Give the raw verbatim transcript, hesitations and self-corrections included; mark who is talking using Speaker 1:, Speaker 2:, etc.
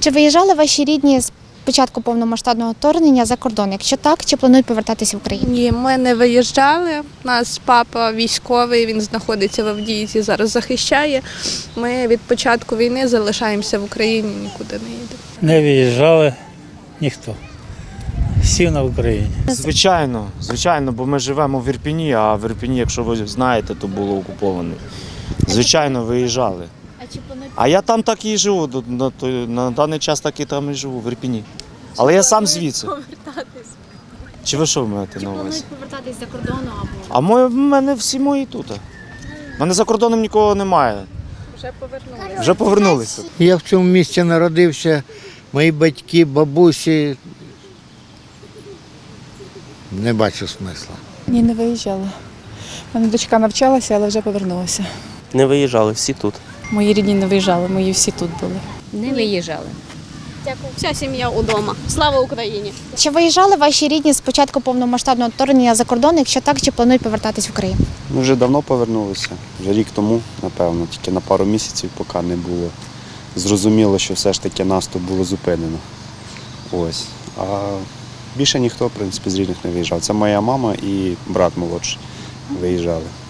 Speaker 1: Чи виїжджали ваші рідні з початку повномасштабного вторгнення за кордон? Якщо так, чи планують повертатися в Україну?
Speaker 2: Ні, ми не виїжджали. У нас папа військовий, він знаходиться в Авдіївці, зараз захищає. Ми від початку війни залишаємося в Україні, нікуди не їдемо.
Speaker 3: Не виїжджали ніхто. Всі на Україні.
Speaker 4: Звичайно, звичайно, бо ми живемо в Ірпіні, а в Ірпіні, якщо ви знаєте, то було окуповане. Звичайно, виїжджали.
Speaker 1: А чи планують
Speaker 4: А я там так і живу, до- на, той- на даний час так і там і живу, в Ірпіні. Але я сам звідси.
Speaker 1: повертатись?
Speaker 4: Чи ви що маєте
Speaker 1: Чи
Speaker 4: на увазі?
Speaker 1: планують повертатись за кордону або?
Speaker 4: А моє- в мене всі мої тут. У мене за кордоном нікого немає.
Speaker 2: Вже повернулися.
Speaker 4: Вже повернулися.
Speaker 5: Я в цьому місті народився, мої батьки, бабусі. Не бачу смисла.
Speaker 6: Ні, не виїжджала. У мене дочка навчалася, але вже повернулася.
Speaker 7: Не виїжджали, всі тут.
Speaker 6: Мої рідні не виїжджали, мої всі тут були.
Speaker 8: Не виїжджали.
Speaker 9: Вся сім'я удома. Слава Україні!
Speaker 1: Чи виїжджали ваші рідні з початку повномасштабного вторгнення за кордон? Якщо так, чи планують повертатись в Україну?
Speaker 10: Ми вже давно повернулися, вже рік тому, напевно, тільки на пару місяців, поки не було зрозуміло, що все ж таки наступ було зупинено. Ось. А більше ніхто, в принципі, з рідних не виїжджав. Це моя мама і брат молодший виїжджали.